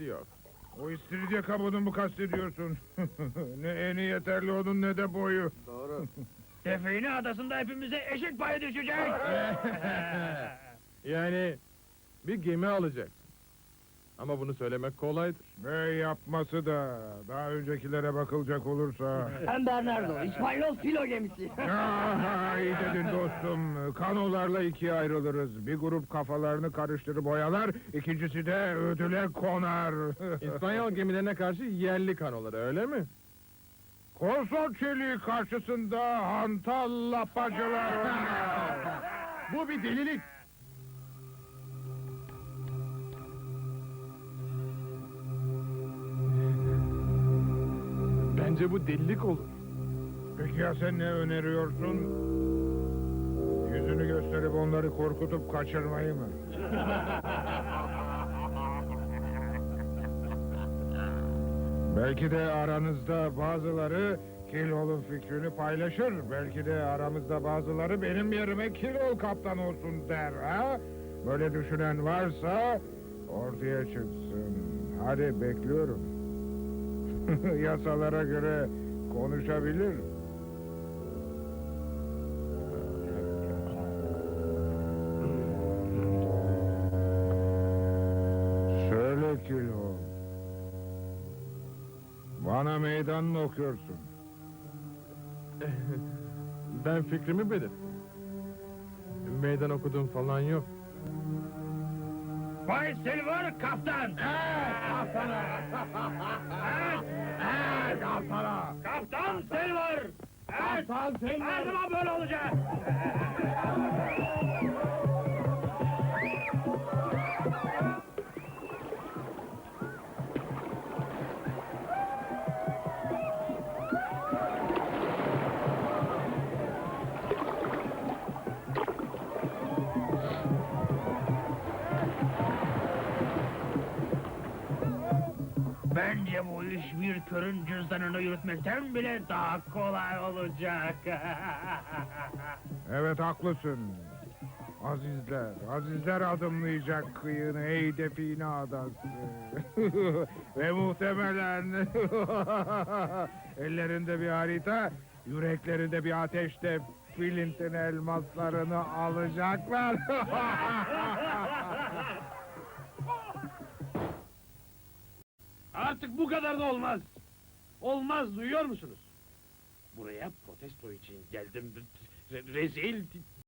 Yok. O istiridye kabuğunu mu kastediyorsun? Ne eni yeterli onun ne de boyu. Doğru. Define adasında hepimize eşit pay düşecek. Yani bir gemi alacaksın. Ama bunu söylemek kolaydır. Ve yapması da daha öncekilere bakılacak olursa. Ben Bernardo, İspanyol filo gemisi. İyi dedin dostum. Kanolarla ikiye ayrılırız. Bir grup kafalarını karıştırıp oyalar, ikincisi de ödüle konar. İspanyol gemilerine karşı yerli kanoları, öyle mi? Korso çeliği karşısında hantal lapacılar oynar. Bu bir delilik. Bence bu delilik olur. Peki ya sen ne öneriyorsun? Yüzünü gösterip onları korkutup kaçırmayı mı? Belki de aranızda bazıları Kilol'un fikrini paylaşır. Belki de aramızda bazıları benim yerime Kilol kaptan olsun der ha? Böyle düşünen varsa ortaya çıksın. Hadi bekliyorum. Yasalara göre konuşabilir. Söyle Kilol. Bana meydan mı okuyorsun? Ben fikrimi belirttim. Meydan okuduğum falan yok. Bay Silver kaptan. Kaptana! Kaptana! Kaptan Silver. Kaptan Silver! Her zaman böyle olacak. Bence bu iş bir körün cüzdanını yürütmekten bile daha kolay olacak. Evet haklısın. Azizler adımlayacak kıyını ey define adası. Ve muhtemelen ellerinde bir harita, yüreklerinde bir ateşte Flint'in elmaslarını alacaklar. Artık bu kadar da olmaz. Olmaz, duyuyor musunuz? Buraya protesto için geldim. Rezil,